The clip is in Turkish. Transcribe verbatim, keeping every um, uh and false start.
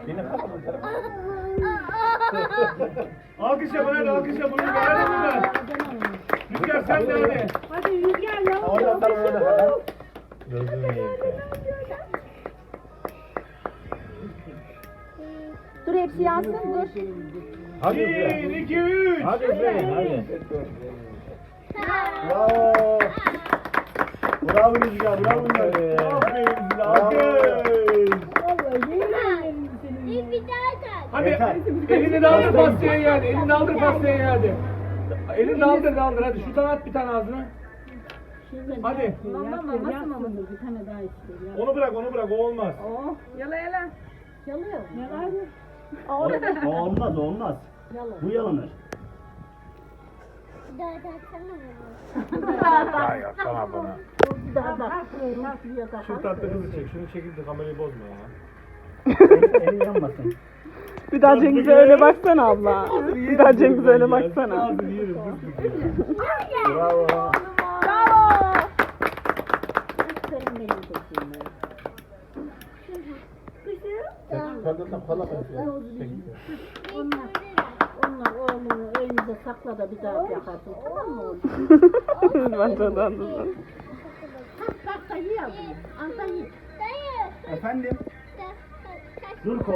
Alkış yapın hadi alkış yapın. Rüzgar hadi. Rüzgar sen de hadi. Hadi Rüzgar yavrum. Oradan sana öyle kadar. Dur hepsi yansın dur. Hadi Bir, Üfle. iki, üç. Hadi Üfleyin hadi. Bravo. Bravo Rüzgar, bravo Rüzgar. Aferin size, alkış. Bir daha tak. Hadi Yeter. elini daldır pastaya yani. Elini daldır pastaya yani. Elini daldır daldır hadi. Şuradan at bir tane ağzına. Hadi. Mama mama mama bir tane daha istiyor. Onu bırak onu bırak o olmaz. Oh yala yala. Yalıyor. Yalar mı? O olmaz, o olmaz. Bu yalanır. Bir daha taksana Ya yapsana bana. Bir daha tak. Şu tatlı kızı çek. Şunu çekip de kamerayı bozma ya. Elin yanmasın. Bir daha Cengiz'e öyle baksana abla. Bir daha Cengiz'e öyle baksana. Ağzını yerim. Bravo. Kadından kola Onlar, onlar oğlunu elinize sakla da bir daha yakarsın. Tamam mı oğlum? Bence de anladım. Bak bak da yiyordum. Antalya. Efendim? Dur